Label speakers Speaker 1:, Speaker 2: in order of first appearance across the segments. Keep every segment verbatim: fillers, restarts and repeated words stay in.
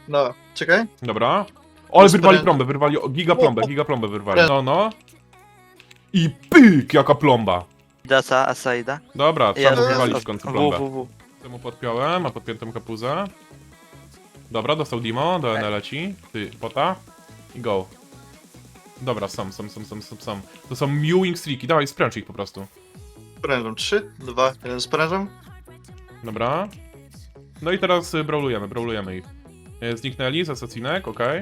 Speaker 1: No, czekaj.
Speaker 2: Dobra. O, ale wyrwali
Speaker 1: Spręż-
Speaker 2: plombę, wyrwali o, giga plombę, giga plombę wyrwali. No, no. I pyk, jaka plomba.
Speaker 3: Desa, Asaida.
Speaker 2: Dobra, trzeba mu
Speaker 1: Jest.
Speaker 2: wywalić w końcu
Speaker 3: W,
Speaker 2: plombę.
Speaker 3: w, w.
Speaker 2: Temu podpiąłem, a podpiętym kapuzę. Dobra, dostał Dimo, do N leci. Ty, pota. I go. Dobra, są, są, są, są, są, są. To są mewing streaki, dawaj, spręcz ich po prostu.
Speaker 1: Sprężam. trzy, dwa, jeden sprężam.
Speaker 2: Dobra. No i teraz y, brawlujemy, brawlujemy ich. Y, Zniknęli z asasinek, okej.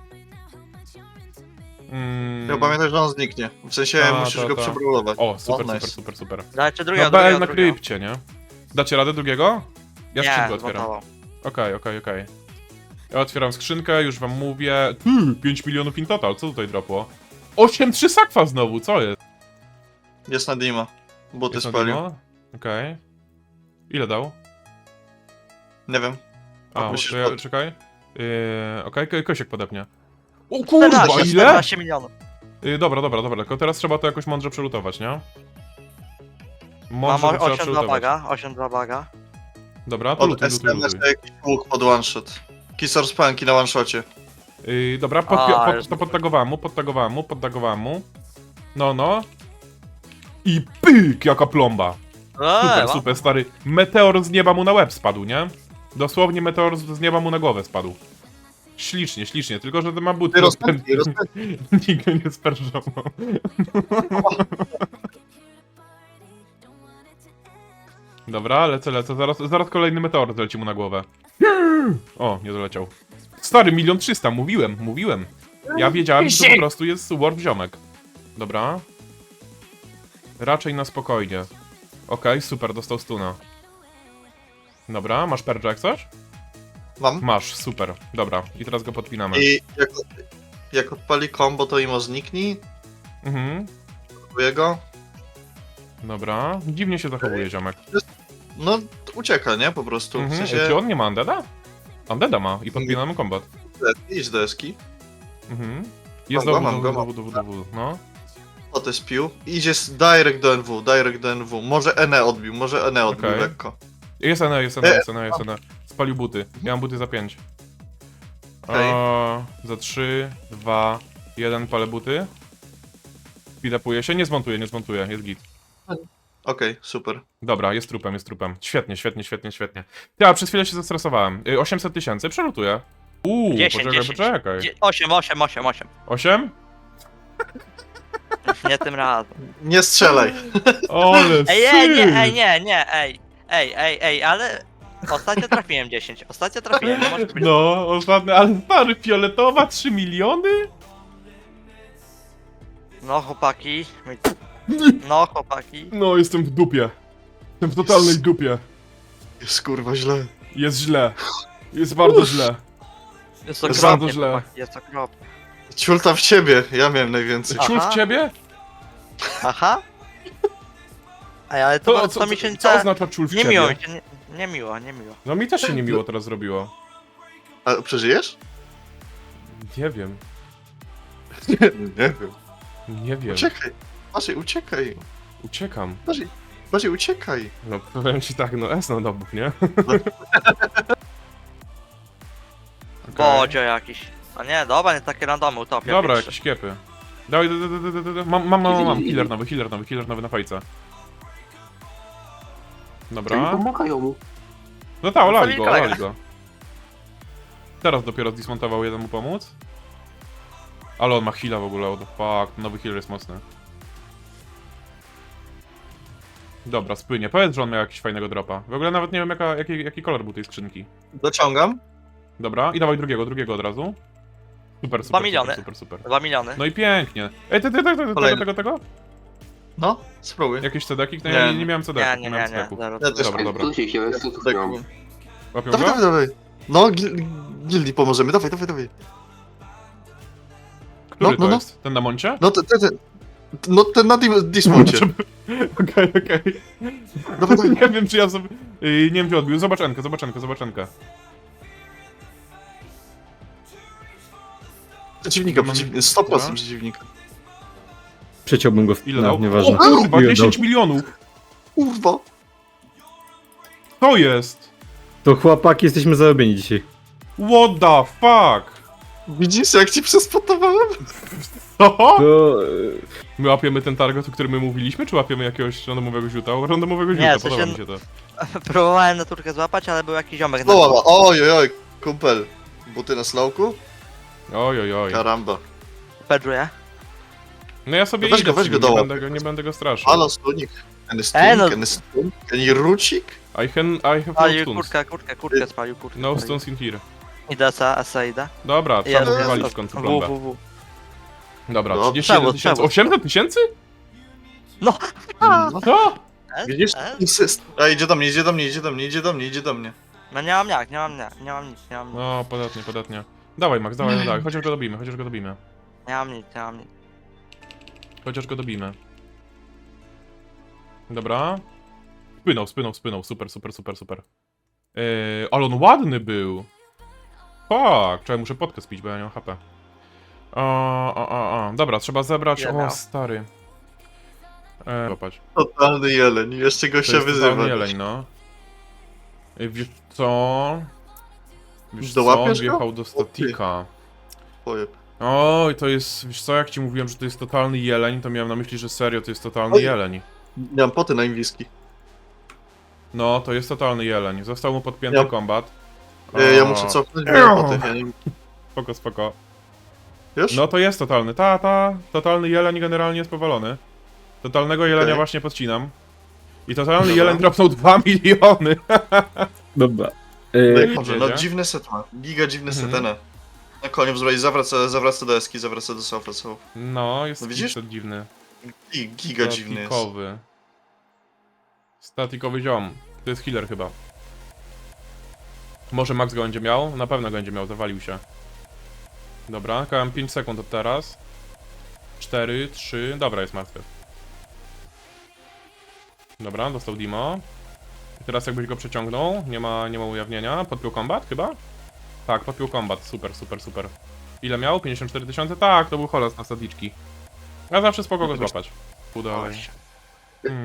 Speaker 2: Mm.
Speaker 1: Ja pamiętam, że on zniknie. W sensie
Speaker 2: Ta,
Speaker 1: musisz
Speaker 2: ta,
Speaker 1: go
Speaker 2: ta.
Speaker 1: przebrawlować.
Speaker 2: O, super,
Speaker 1: nice.
Speaker 2: super, super, super.
Speaker 3: Dajcie drugiego,
Speaker 2: No B L
Speaker 3: drugiego,
Speaker 2: na
Speaker 3: drugiego.
Speaker 2: krypcie, nie? Dacie radę drugiego? Ja skrzynkę
Speaker 3: Nie,
Speaker 2: otwieram.
Speaker 3: zmontował.
Speaker 2: Okej, okej, okej. Ja otwieram skrzynkę, już wam mówię. Ty, pięć milionów in total, co tutaj dropło? osiem trzy sakwa znowu, co jest?
Speaker 1: Jest na Dima. Buty
Speaker 2: Jest na
Speaker 1: spalił.
Speaker 2: demo? Okej. Ile dał?
Speaker 1: Nie wiem.
Speaker 2: A,
Speaker 1: Musisz
Speaker 2: to ja,
Speaker 1: pod-
Speaker 2: czekaj. Yy, okej, okay, Kosiek podepnie. O kurwa,
Speaker 3: czternaście,
Speaker 2: ile?
Speaker 3: czternaście milionów.
Speaker 2: Yy, dobra, dobra, dobra, tylko teraz trzeba to jakoś mądrze przelutować, nie?
Speaker 3: Mam
Speaker 2: Mądrze to trzeba
Speaker 3: osiem dwa
Speaker 2: przelutować.
Speaker 3: baga, osiem dwa baga.
Speaker 2: Dobra, to
Speaker 1: Od
Speaker 2: lutuj,
Speaker 1: S
Speaker 2: lutuj,
Speaker 1: M S
Speaker 2: lutuj.
Speaker 1: jakiś łuk pod one shot. Kisor spanki na one shocie.
Speaker 2: Yy, dobra, pod,
Speaker 3: A,
Speaker 2: pod,
Speaker 3: już
Speaker 2: to podtagowałem mu, podtagowałem mu, podtagowałem mu. No, no. I pyk, jaka plomba. Super,
Speaker 3: Eee,
Speaker 2: super, stary. Meteor z nieba mu na łeb spadł, nie? Dosłownie meteor z z nieba mu na głowę spadł. Ślicznie, ślicznie, tylko że to ma buty.
Speaker 1: Ty rozpędzi, rozpędzi.
Speaker 2: Nikt go nie sperżał. Dobra, lecę, lecę. Zaraz, zaraz kolejny meteor zleci mu na głowę. O, nie doleciał. Stary, milion trzysta, mówiłem, mówiłem. Ja wiedziałem, że to po prostu jest warp ziomek. Dobra. Raczej na spokojnie. Okej, super, dostał stuna. Dobra, masz perdża jak coś?
Speaker 1: Mam.
Speaker 2: Masz, super. Dobra, i teraz go podpinamy.
Speaker 1: I jak, jak odpali combo, to imo zniknij.
Speaker 2: Mhm,
Speaker 1: Próbuję go.
Speaker 2: dobra. Dziwnie się zachowuje ziomek.
Speaker 1: No, ucieka, nie? Po prostu. W
Speaker 2: Mhm.
Speaker 1: sensie,
Speaker 2: Czy on nie ma Undeada? Undeada ma i podpinamy kombat.
Speaker 1: idź do eski.
Speaker 2: Mhm. Jest
Speaker 1: Mam go,
Speaker 2: dowód,
Speaker 1: mam go,
Speaker 2: dowód, dowód, dowód, no.
Speaker 1: O, to jest pił. Idzie z direct do N W, direct do N W. Może Ene odbił, może Ene odbił
Speaker 2: Okej.
Speaker 1: lekko.
Speaker 2: Jest N, jest N, jest N, jest N. Spalił buty. Ja mam buty za pięć.
Speaker 1: Okej.
Speaker 2: O, za trzy, dwa, jeden palę buty. Speedupuje się, nie zmontuje, nie zmontuje, jest git.
Speaker 1: Okej, super.
Speaker 2: Dobra, jest trupem, jest trupem. Świetnie, świetnie, świetnie, świetnie. Ja przez chwilę się zestresowałem. Y, osiemset tysięcy, przelutuję. Uuu,
Speaker 3: dziesięć,
Speaker 2: poczekaj,
Speaker 3: dziesięć.
Speaker 2: poczekaj.
Speaker 3: osiem, osiem, osiem, osiem.
Speaker 2: osiem?
Speaker 3: Nie tym razem.
Speaker 1: Nie strzelaj.
Speaker 2: Ole,
Speaker 3: Ej, ej, nie,
Speaker 2: syf.
Speaker 3: ej, nie, nie, ej. Ej, ej, ej, ale... Ostatnio trafiłem dziesięć, ostatnio trafiłem, nie może być.
Speaker 2: No, ostatnio, ale stary, fioletowa, trzy miliony?
Speaker 3: No chłopaki. No chłopaki.
Speaker 2: No, jestem w dupie. Jestem w totalnej dupie.
Speaker 1: Jest kurwa źle.
Speaker 2: Jest źle. Jest bardzo źle.
Speaker 3: Jest
Speaker 2: Jest
Speaker 3: okropnie,
Speaker 2: bardzo źle.
Speaker 3: chłopaki, jest okropnie.
Speaker 1: Ciulta w ciebie, ja miałem najwięcej.
Speaker 3: A.
Speaker 2: Ciul w
Speaker 3: Aha.
Speaker 2: ciebie?
Speaker 3: Aha. Ej, ale to,
Speaker 2: To,
Speaker 3: to,
Speaker 2: co,
Speaker 3: mi się
Speaker 2: co
Speaker 3: nie...
Speaker 2: oznacza ciul w
Speaker 3: Nie miło mi
Speaker 2: ciebie?
Speaker 3: się, nie, nie miło, nie miło.
Speaker 2: No mi też się niemiło teraz zrobiło.
Speaker 1: A przeżyjesz?
Speaker 2: Nie wiem.
Speaker 1: Nie, nie wiem.
Speaker 2: Nie wiem.
Speaker 1: Uciekaj. Bardziej uciekaj.
Speaker 2: Uciekam.
Speaker 1: Bardziej, bardziej uciekaj.
Speaker 2: No powiem ci tak, no S na dowód, nie? Okej.
Speaker 3: Bodzio jakiś. A nie, dobra, nie takie randomy utopia.
Speaker 2: Dobra,
Speaker 3: pierwszy.
Speaker 2: jakieś kiepy. Dawaj, da, da, da, da, da, da. Mam, mam, mam, mam. Healer nowy, healer nowy, healer nowy na fajce.
Speaker 4: To nie
Speaker 2: Dobra.
Speaker 4: pomagają mu.
Speaker 2: No tak, olali go,
Speaker 3: kolega.
Speaker 2: olali go. Teraz dopiero zdismontował jeden mu pomóc. Ale on ma heala w ogóle, what the fuck, nowy healer jest mocny. Dobra, spłynie. Powiedz, że on miał jakiś fajnego dropa. W ogóle nawet nie wiem jaka, jaki, jaki kolor był tej skrzynki.
Speaker 1: Dociągam.
Speaker 2: Dobra, i dawaj drugiego, drugiego od razu. Super, super,
Speaker 3: miliony.
Speaker 2: super, super, super.
Speaker 3: Dwa miliony.
Speaker 2: No i pięknie. Ej, ty, ty, ty, ty, tego,
Speaker 1: Kolejny.
Speaker 2: tego, tego?
Speaker 1: No, spróbuj.
Speaker 2: Jakieś cedeki? No
Speaker 1: Nie.
Speaker 2: ja nie, nie miałem
Speaker 3: Nie,
Speaker 2: cedeków,
Speaker 3: nie,
Speaker 2: nie
Speaker 3: nie,
Speaker 2: miałem
Speaker 3: nie.
Speaker 2: cedeków.
Speaker 3: Zero,
Speaker 1: Ja
Speaker 3: zero.
Speaker 1: też
Speaker 2: Dobra, dobra.
Speaker 4: Co się chciał, ja co
Speaker 1: Tak,
Speaker 4: miałem.
Speaker 2: Łapią
Speaker 1: dawaj,
Speaker 2: go?
Speaker 1: dawaj, dawaj. No, gil, gildii pomożemy, dawaj, dawaj, dawaj.
Speaker 2: Który
Speaker 1: no,
Speaker 2: to
Speaker 1: no, no.
Speaker 2: jest? Ten na moncie?
Speaker 1: No, ten, ten, ten, no, ten na dim- Dismoncie.
Speaker 2: Okej, okej.
Speaker 1: Dawaj, dawaj.
Speaker 2: Nie wiem, czy ja sobie... Yy, nie wiem, czy odbił. Zobacz Enkę, zobacz Enkę, zobacz Enkę.
Speaker 1: Przeciwnika,
Speaker 2: Mam-
Speaker 1: przeciwnika, sto procent
Speaker 2: Dobra.
Speaker 1: przeciwnika.
Speaker 5: Przeciąłbym go w...
Speaker 2: Ile
Speaker 5: no,
Speaker 2: dał?
Speaker 5: nieważne.
Speaker 2: O kurwa,
Speaker 5: Ile
Speaker 2: dziesięć
Speaker 5: dał?
Speaker 2: milionów!
Speaker 1: Kurwa.
Speaker 2: To jest!
Speaker 5: To chłopaki, jesteśmy zarobieni dzisiaj.
Speaker 2: What the fuck?
Speaker 1: Widzisz, jak ci przespotowałem?
Speaker 2: Co?
Speaker 5: To... e,
Speaker 2: My łapiemy ten target, o którym my mówiliśmy, czy łapiemy jakiegoś randomowego ziuta? Randomowego
Speaker 3: Nie,
Speaker 2: ziuta,
Speaker 3: w
Speaker 2: podoba
Speaker 3: sensie-
Speaker 2: mi się to.
Speaker 3: Próbowałem naturkę złapać, ale był jakiś ziomek na
Speaker 1: O,
Speaker 3: dole.
Speaker 1: oj, oj, oj, kumpel. Buty na slowku?
Speaker 2: Oj, oj, oj.
Speaker 1: Karamba.
Speaker 3: Pedruję.
Speaker 2: No ja sobie
Speaker 1: Weź
Speaker 2: idę
Speaker 1: go, weź
Speaker 2: z
Speaker 1: go
Speaker 2: nim, nie
Speaker 1: dołap.
Speaker 2: będę go, nie będę go straszył.
Speaker 1: Halo, stunik. Any
Speaker 3: E, no-
Speaker 1: stunik, any stunik, any rucik?
Speaker 2: I can, I have no
Speaker 3: Spalił
Speaker 2: stuns.
Speaker 3: kurtkę, kurtkę, kurtkę spalił, kurtkę.
Speaker 2: No
Speaker 3: spalił.
Speaker 2: stuns in here.
Speaker 3: Idę, asa, asa idę.
Speaker 2: Dobra, trzeba
Speaker 3: Jest,
Speaker 2: mu
Speaker 1: jest,
Speaker 2: wywalić
Speaker 3: jest.
Speaker 2: w końcu
Speaker 3: W,
Speaker 2: plombę.
Speaker 3: w, w.
Speaker 2: Dobra,
Speaker 1: No,
Speaker 2: trzydzieści jeden
Speaker 3: przewóz,
Speaker 2: tysięcy.
Speaker 3: przewóz.
Speaker 2: osiemset tysięcy?
Speaker 3: No!
Speaker 1: No.
Speaker 2: Co?
Speaker 3: E,
Speaker 1: Widzisz?
Speaker 3: e?
Speaker 1: Insyst. A idzie do mnie, idzie do mnie, idzie do mnie, idzie do mnie, idzie do mnie.
Speaker 3: No nie mam jak, nie mam jak, nie mam nic, nie mam nic.
Speaker 2: No, podatnie, podatnie. Dawaj Max, dawaj, no dawaj, chociaż go dobijmy, chociaż go dobijmy.
Speaker 3: Nie mam nic, nie mam nic.
Speaker 2: Chociaż go dobijmy. Dobra. Spłynął, spłynął, spłynął, super, super, super, super. Yy, ale on ładny był. Fuck, czekaj, muszę podkę spić, bo ja nie mam H P. O, o, o, o. Dobra, trzeba zebrać...
Speaker 3: Ile
Speaker 2: O,
Speaker 3: miał?
Speaker 2: stary. E, złapać.
Speaker 1: Totalny jeleń, jeszcze go
Speaker 2: To
Speaker 1: się
Speaker 2: jest
Speaker 1: wyzywa.
Speaker 2: totalny jeleń, no. Ej, wiesz co? Wiesz co, on
Speaker 1: Dołapiesz go?
Speaker 2: wjechał do statika.
Speaker 1: Pojeb.
Speaker 2: Oj, to jest... Wiesz co, jak ci mówiłem, że to jest totalny jeleń, to miałem na myśli, że serio to jest totalny
Speaker 1: Oj.
Speaker 2: jeleń.
Speaker 1: Nie mam poty na inwiski.
Speaker 2: No, to jest totalny jeleń. Został mu podpięty
Speaker 1: Ja-
Speaker 2: kombat.
Speaker 1: E, Ja
Speaker 2: O,
Speaker 1: muszę cofnąć, bo mam poty. Ja nie...
Speaker 2: Spoko, spoko.
Speaker 1: Wiesz?
Speaker 2: No to jest totalny. Ta, ta. Totalny jeleń generalnie jest powalony. Totalnego jelenia
Speaker 1: Okej.
Speaker 2: właśnie podcinam. I totalny
Speaker 1: Dobra.
Speaker 2: jeleń dropnął dwa miliony.
Speaker 5: Dobra.
Speaker 1: No
Speaker 5: E,
Speaker 1: i dobrze, no
Speaker 2: Jedzie.
Speaker 1: dziwny set ma. Giga dziwny
Speaker 2: Mhm.
Speaker 1: set, Ene. Na koniec wzbrać, zawraca, zawraca do eski, zawraca do sofa, so.
Speaker 2: No, jest
Speaker 1: No widzisz?
Speaker 2: to dziwny.
Speaker 1: I giga dziwny jest.
Speaker 2: Statikowy. Statikowy ziom. To jest healer chyba. Może Max go będzie miał? Na pewno go będzie miał, zawalił się. Dobra, kałem pięć sekund od teraz. cztery, trzy, dobra, jest martwy. Dobra, dostał Dimo. I teraz jakbyś go przeciągnął, nie ma, nie ma ujawnienia. Podpiął kombat chyba? Tak, podpiął kombat, super, super, super. Ile miał? pięćdziesiąt cztery tysiące? Tak, to był holos na stadiczki. Ja zawsze spoko go złapać. Pół dalej. Hmm.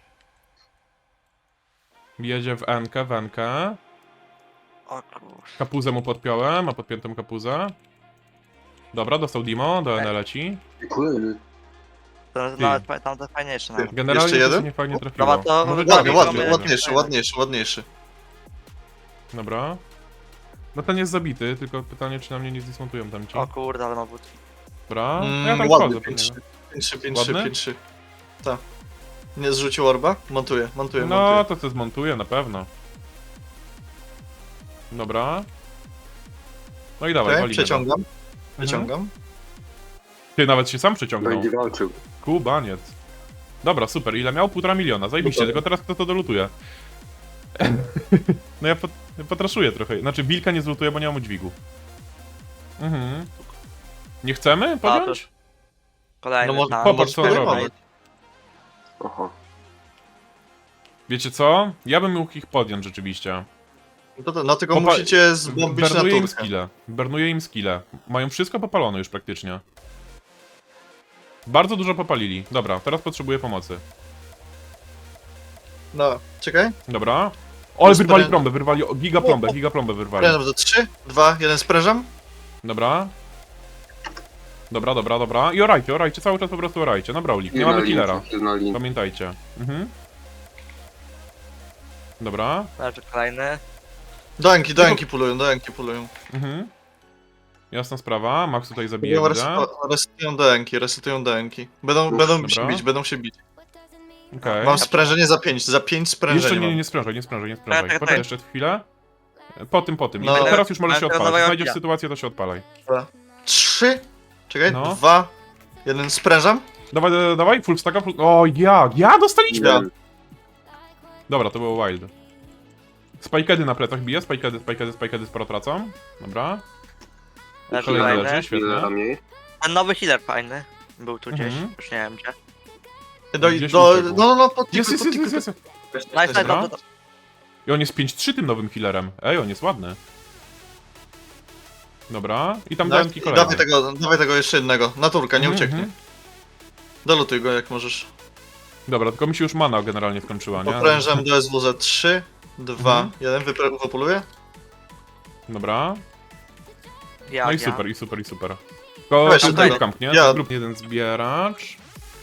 Speaker 2: Jedzie w Enkę, w Enkę.
Speaker 3: O kurwa.
Speaker 2: Kapuzę mu podpiąłem, ma podpiętą kapuzę. Dobra, dostał Dimo, do N leci.
Speaker 3: To
Speaker 2: Ty.
Speaker 3: nawet fa- tam to fajniejsze nawet.
Speaker 2: Generalnie
Speaker 1: Jeszcze
Speaker 2: to
Speaker 1: jeden?
Speaker 2: się nie fajnie trafiło.
Speaker 3: Dobra, to-
Speaker 2: Może
Speaker 3: Ładnie,
Speaker 1: Ładny,
Speaker 2: dalej
Speaker 1: ładny,
Speaker 2: będzie.
Speaker 1: ładniejszy, ładniejszy, ładniejszy.
Speaker 2: Dobra. No ten jest zabity, tylko pytanie, czy na mnie nie zdismontują tam ci.
Speaker 3: O kurde, ale ma buty.
Speaker 2: Dobra, no ja
Speaker 1: Mm,
Speaker 2: tam
Speaker 1: ładny,
Speaker 2: wchodzę.
Speaker 1: pięć trzy,
Speaker 2: pewnie.
Speaker 1: pięć trzy, pięć trzy,
Speaker 2: Ładny?
Speaker 1: pięć trzy. Tak. Nie zrzucił orba? Montuję, montuję,
Speaker 2: No,
Speaker 1: montuję.
Speaker 2: to co zmontuję, na pewno. Dobra. No i dawaj,
Speaker 1: Okej,
Speaker 2: walimy.
Speaker 1: przeciągam,
Speaker 2: Mhm.
Speaker 1: przeciągam.
Speaker 2: Ty nawet się sam przeciągnął.
Speaker 4: Będzie walczył.
Speaker 2: Kubaniec. Dobra, super. Ile miał? Półtora miliona. Zajebiście,
Speaker 1: Super.
Speaker 2: tylko teraz kto to dolutuje? No ja, pot, ja potraszuję trochę. Znaczy, Wilka nie zlutuję, bo nie mam dźwigu. Mhm. Nie chcemy podjąć?
Speaker 3: Kolejny.
Speaker 1: No może-
Speaker 3: tam.
Speaker 2: Popatrz, co on
Speaker 1: podejmować.
Speaker 2: robi.
Speaker 4: Oho.
Speaker 2: Wiecie co? Ja bym mógł ich podjąć rzeczywiście.
Speaker 1: No, to, no tylko
Speaker 2: Popa-
Speaker 1: musicie zbombić na
Speaker 2: Bernuję im
Speaker 1: turkę.
Speaker 2: skille. Bernuję im skille. Mają wszystko popalone już praktycznie. Bardzo dużo popalili. Dobra, teraz potrzebuję pomocy.
Speaker 1: No, czekaj.
Speaker 2: Dobra. O, ale wyrwali
Speaker 1: Sprę-
Speaker 2: plombę, wyrwali o, giga plombę, giga plombę wyrwali.
Speaker 1: Sprężam do trzy, dwa, jeden sprężam.
Speaker 2: Dobra. Dobra, dobra, dobra. I orajcie, orajcie, cały czas po prostu orajcie. Na Brawlik, nie mamy killera.
Speaker 4: Na lin.
Speaker 2: Pamiętajcie. Mhm. Dobra.
Speaker 3: Leży kolejny.
Speaker 1: Do Enki, do Enki pulują, do Enki pulują.
Speaker 2: Mhm. Jasna sprawa, Max tutaj zabije,
Speaker 1: Res-
Speaker 2: widzę.
Speaker 1: Resetują do Enki, resetują do Enki. Będą,
Speaker 4: Uff,
Speaker 1: będą się
Speaker 2: dobra.
Speaker 1: bić, będą się bić.
Speaker 2: Okej.
Speaker 1: Mam sprężenie za pięć, za pięć sprężeń
Speaker 2: Jeszcze nie,
Speaker 1: mam.
Speaker 2: nie, nie sprężaj, nie sprężaj, nie
Speaker 3: Tak,
Speaker 2: sprężaj.
Speaker 3: tak,
Speaker 2: Poczekaj
Speaker 3: tak.
Speaker 2: jeszcze chwilę. Po tym, po tym.
Speaker 1: No.
Speaker 2: No, teraz już możesz się
Speaker 3: Ale
Speaker 2: odpalać.
Speaker 3: dawaj
Speaker 2: Jak znajdziesz
Speaker 3: ja.
Speaker 2: sytuację, to się odpalaj.
Speaker 1: Trzy, czekaj,
Speaker 2: No.
Speaker 1: dwa, jeden sprężam.
Speaker 2: Dawaj, dawaj, dawaj, full stacka, full... O, ja, ja dostaliśmy!
Speaker 1: Ja.
Speaker 2: Dobra, to było wild. Spikedy na plecach bije, spikedy, spikedy, spikedy sporo tracą. Dobra.
Speaker 3: Leży
Speaker 2: Kolejny
Speaker 3: kolejny.
Speaker 2: leży, świetnie.
Speaker 4: Ile mniej?
Speaker 3: Ten nowy healer fajny. Był tu gdzieś,
Speaker 2: Mhm.
Speaker 3: już nie wiem gdzie.
Speaker 1: Do,
Speaker 2: Gdzieś
Speaker 1: do,
Speaker 2: uciekł.
Speaker 1: no, no, no, pod
Speaker 2: Jest,
Speaker 1: tiku,
Speaker 2: jest,
Speaker 1: pod
Speaker 2: jest, jest,
Speaker 1: tiku.
Speaker 2: jest.
Speaker 3: Nice, nice,
Speaker 2: Dobra.
Speaker 3: dobrze.
Speaker 2: I on jest pięć trzy tym nowym healerem. Ej, on jest ładny. Dobra. I tam
Speaker 1: Da-
Speaker 2: dałem
Speaker 1: i
Speaker 2: kolejny.
Speaker 1: Dawaj tego, dawaj tego jeszcze jednego, naturka, nie
Speaker 2: Mhm,
Speaker 1: ucieknie.
Speaker 2: mhm.
Speaker 1: Dolutuj go jak możesz.
Speaker 2: Dobra, tylko mi się już mana generalnie skończyła, nie?
Speaker 1: Poprężam do S W za trzy, dwa,
Speaker 2: Mhm.
Speaker 1: jeden, wypuluję.
Speaker 2: Dobra.
Speaker 3: Ja,
Speaker 2: No i
Speaker 3: ja.
Speaker 2: super, i super, i super. Tylko
Speaker 1: Weź,
Speaker 2: tam
Speaker 1: tutaj-
Speaker 2: grup kamp, nie?
Speaker 1: ja-
Speaker 2: Grup jeden zbieracz.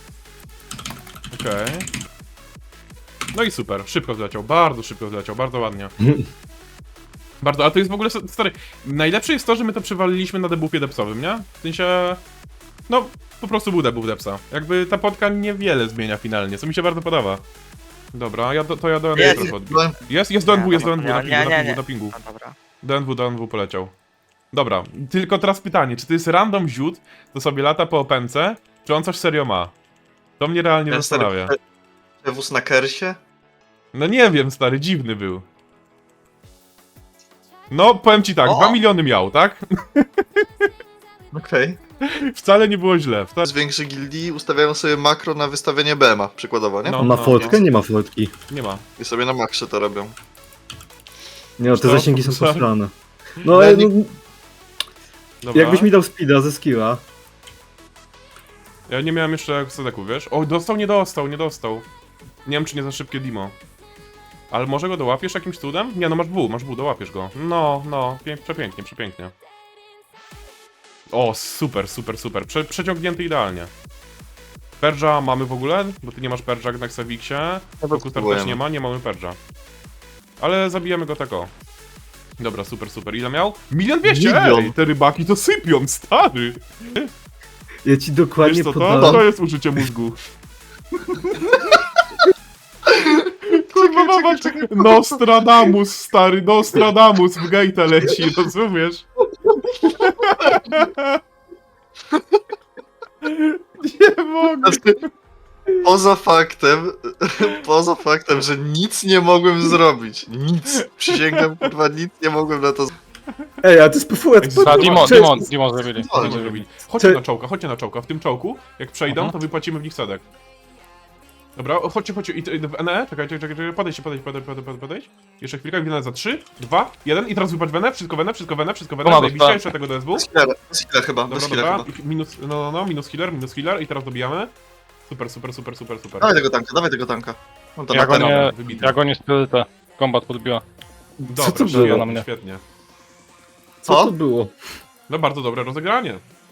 Speaker 2: Okej. No i super, szybko zleciał, bardzo szybko zleciał, bardzo ładnie. Bardzo, a to jest w ogóle, stary, najlepsze jest to, że my to przywaliliśmy na debuffie depsowym, nie? W sensie, no, po prostu był debuff depsa. Jakby ta podka niewiele zmienia finalnie, co mi się bardzo podoba. Dobra, ja do, to ja do N W
Speaker 3: Jest.
Speaker 2: trochę odbiję. Jest, jest do N W, jest do N W, na
Speaker 3: Nie,
Speaker 2: pingu,
Speaker 3: nie,
Speaker 2: na
Speaker 3: nie,
Speaker 2: pingu,
Speaker 3: nie.
Speaker 2: na pingu.
Speaker 3: No dobra.
Speaker 2: Do N W, do N W poleciał. Dobra, tylko teraz pytanie, czy to jest random ziut, to sobie lata po opęce, czy on coś serio ma? To mnie realnie
Speaker 1: Ja
Speaker 2: zastanawia.
Speaker 1: stary- Wóz na kersie?
Speaker 2: No nie wiem, stary, dziwny był. No, powiem ci tak,
Speaker 3: O!
Speaker 2: dwa miliony miał, tak?
Speaker 1: Okej.
Speaker 2: Wcale nie było źle. Wcale...
Speaker 1: Z większych gildii ustawiają sobie makro na wystawienie B M a, przykładowo, nie?
Speaker 2: No.
Speaker 5: On ma fotkę? Nie ma fotki.
Speaker 2: Nie ma.
Speaker 1: I sobie na maksie to robią.
Speaker 5: Nie no, te
Speaker 2: Co?
Speaker 5: zasięgi są
Speaker 2: Co?
Speaker 5: posrane. No,
Speaker 1: No,
Speaker 5: ale
Speaker 1: nie-
Speaker 5: no,
Speaker 2: Dobra.
Speaker 5: jakbyś mi dał speeda ze skilla.
Speaker 2: Ja nie miałem jeszcze sedeku, wiesz? O, dostał, nie dostał, nie dostał. Nie wiem, czy nie za szybkie demo. Ale może go dołapiesz jakimś cudem? Nie, no masz W, masz W, dołapiesz go. No, no, pięk, przepięknie, przepięknie. O, super, super, super. Prze przeciągnięty idealnie. Perdża mamy w ogóle? Bo ty nie masz Perdża na Xavixie. Fokustar też
Speaker 1: spróbujemy.
Speaker 2: nie ma, nie mamy Perdża. Ale zabijemy go tak o. Dobra, super, super. Ile miał? Milion dwieście!
Speaker 1: Milion.
Speaker 2: Ej, te rybaki to sypią, stary!
Speaker 5: Ja ci dokładnie
Speaker 2: Wiesz co to?
Speaker 5: podałem.
Speaker 2: To jest użycie mózgu. Kurwa, mama, Nostradamus, stary, Nostradamus w gate'a leci, rozumiesz? Nie mogę.
Speaker 1: Znaczy, poza faktem, poza faktem, że nic nie mogłem zrobić. Nic. Przysięgam, kurwa, nic nie mogłem na to zrobić.
Speaker 5: Ej, a to jest P F S.
Speaker 2: Za
Speaker 6: A Dimon,
Speaker 5: Cześć.
Speaker 6: Dimon, Dimon zrobili.
Speaker 1: O,
Speaker 2: Co
Speaker 6: Dimon
Speaker 2: zrobili?
Speaker 6: zrobili.
Speaker 2: Chodźcie
Speaker 5: Cze-
Speaker 2: na czołka, chodźcie na czołka. W tym czołku, jak przejdą,
Speaker 6: Mhm.
Speaker 2: to wypłacimy w nich sedek. Dobra, o, chodźcie, chodźcie. I, i, w N E? Czekaj, czekaj, czekaj, czekaj, podejdź, podejdź, podejdź, podejdź, podejdź, podejdź. Jeszcze chwilkę, winę za trzy, dwa, jeden i teraz wypłać w N E, wszystko w N E, wszystko w N E, wszystko w N E,
Speaker 6: Dobra,
Speaker 2: zajebiście,
Speaker 6: dobra.
Speaker 2: jeszcze tego do S W.
Speaker 1: Bez healera, bez healera chyba,
Speaker 2: Dobra,
Speaker 1: bez healera
Speaker 2: dobra,
Speaker 1: chyba.
Speaker 2: I minus, no, no, no, minus healer, minus healer i teraz dobijamy. Super, super, super, super, super.
Speaker 1: Dawaj tego tanka, dawaj tego tanka. On to
Speaker 6: Ja
Speaker 1: na
Speaker 6: go
Speaker 1: ten.
Speaker 6: nie,
Speaker 2: wybity.
Speaker 6: ja go nie sprytę. Kombat podbiła.
Speaker 2: Dobra,
Speaker 5: Co to
Speaker 2: świetnie,
Speaker 5: było
Speaker 6: na mnie?
Speaker 2: Świetnie.
Speaker 5: Co
Speaker 1: Co?
Speaker 5: to było?
Speaker 2: No bardzo dobre rozegranie.